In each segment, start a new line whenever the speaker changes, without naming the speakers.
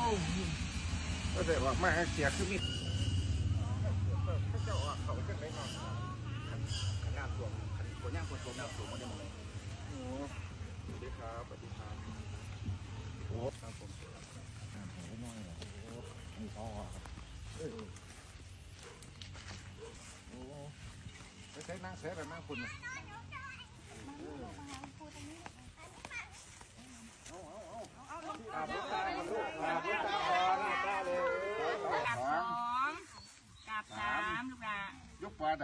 ก็ได้ว่ามาเสียคือมีเจ้าเขาขึ้นไหนนอนขนาดตัวคนย่างคนตัวน้ำสูงมันจะมองโอ้สวัสดีครับสวัสดีครับโอ้ครับผมโอ้น้อยเหรอโอ้มีพ่อครับโอ้ไปใช้นั่งเสียแต่นั่งคุณอาบน้ำตาลูกอาบน้ำตาตาเลย
กับสองกับสามลูกละ
ยกปลาไหน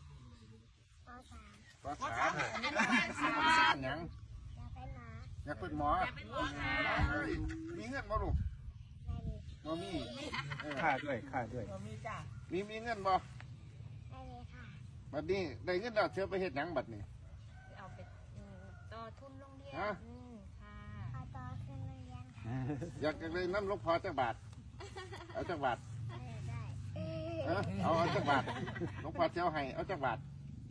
ปลาสามยังอยากเป็นหมอมีเงินบ่ลูกบ่มีค่าด้วยมีเงินบ่บัดนี้ได้เงินแล้วเชื่อไปเฮ็ดหยังบัดนี้
เอาไปต่อทุนโรงเรียน
ค่ะ
ต่อทุนโรงเรียน
อยากจะได้น้ำลูกพอจักบาทเอาจักบาทเอาจักบาทลูกพอเจ้าให้เอาจักบาท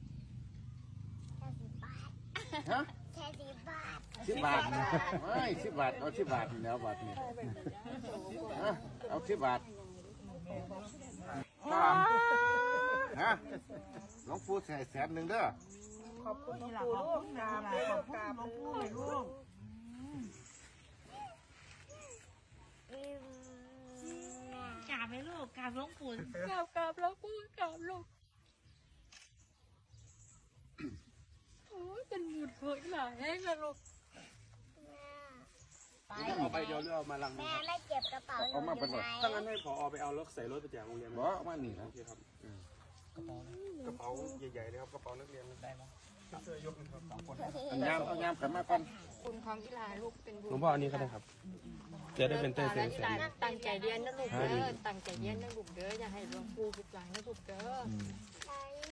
ฮะ
แค่10 บาท
10 บาทไม่10 บาทเอา10 บาทแล้วบาทนี่เอา10 บาทฮะหลวงปู่ใส่100,000เด้อ
ขอบคุณหลวงปู่ลูกกราบขอบคุณหลวงปู่ลูกกราบไหมลูกกราบหลวงปู่กราบหลวงปู่กราบลูกโอ้ยเป็นบุญเผยหลายให้นะลูก
เอาไปเดี๋ยวเอามาลัง
แม่ไม่เก็บกระเป๋าหนูอยู่ไหน
ถ้างั้นให้ผอไปเอารถใส่รถไปแจกโรงเรียน
บ่เอามานี่นะ
ครับกระเป๋าใหญ่ๆเลยครับกระเป๋านักเรียนได้ไหมเสื้อยกนะครับ2 คน
เอายามกันมาก่อน
คุณของกีฬาลูกเป็นบุญ
หลวงพ่ออันนี้ก็ได้ครับจะได้เป็นเต้เสียง
ตั้งใจเรียนนะลูกเด้อตั้งใจเรียนนะลูกเด้ออย่าให้หลวงปู่ผิดหวังนะลูกเด้อ